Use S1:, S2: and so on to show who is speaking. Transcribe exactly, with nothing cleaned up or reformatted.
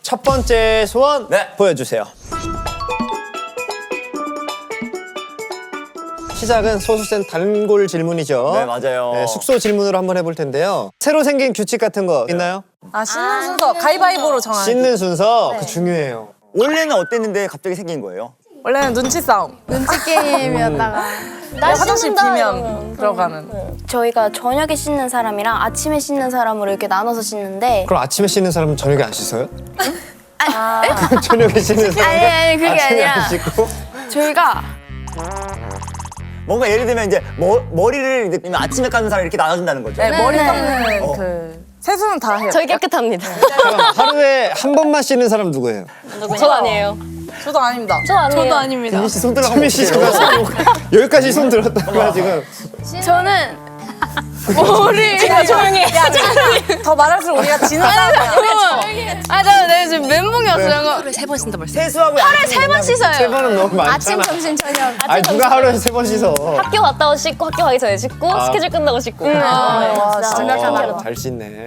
S1: 첫 번째 소원
S2: 네.
S1: 보여주세요. 시작은 소수센 단골 질문이죠.
S2: 네, 맞아요.
S1: 네, 숙소 질문으로 한번 해볼 텐데요. 새로 생긴 규칙 같은 거 있나요?
S3: 아 씻는 순서 가위바위보로 정하는.
S1: 씻는 순서 그 중요해요.
S2: 원래는 어땠는데 갑자기 생긴 거예요?
S3: 원래는 눈치 싸움.
S4: 눈치 게임이었다가
S3: 화장실 비면 들어가는.
S4: 저희가 저녁에 씻는 사람이랑 아침에 씻는 사람으로 이렇게 나눠서 씻는데
S1: 그럼 아침에 씻는 사람은 저녁에 안 씻어요? 아, 저녁에 씻는 사람은
S4: 아니, 아니, 그게
S1: 아침에
S4: 아니라.
S1: 안 씻고?
S4: 저희가
S2: 뭔가 예를 들면 이제 머, 머리를 이제 아침에 감는 사람 이렇게 나눠준다는 거죠.
S3: 네, 머리
S4: 네.
S3: 감는
S2: 어.
S3: 그 세수는 다 해요.
S5: 저희 깨끗합니다.
S1: 그럼 하루에 한 번만 씻는 사람 누구예요?
S5: 전 아니에요.
S3: 저도 아닙니다.
S5: 저 아니에요.
S4: 저도 아닙니다.
S2: 민희 씨손 들어가.
S1: 차미 씨 제가 손 여기까지 손 들었다가 지금
S4: 저는 머리
S3: 야, 조용히 해. 야, 더 말할수록 우리가 지는 싸움이야.
S4: 아 저는 내가 지금 멘붕이었어요.
S5: 하루에 세 번 쉰다 벌써.
S2: 세수하고
S4: 하루에 세 번 씻어요.
S1: 세 번은 너무
S4: 아침,
S1: 많잖아.
S4: 점심, 저녁.
S1: 아니 누가 하루에 세 번 씻어?
S5: 학교 갔다 오 씻고 학교 가기 전에 씻고
S1: 아.
S5: 스케줄 끝나고 씻고.
S4: 아,
S5: 네,
S3: 와,
S5: 진짜
S3: 진짜
S5: 완벽한
S3: 잘
S5: 하루.
S1: 잘 씻네.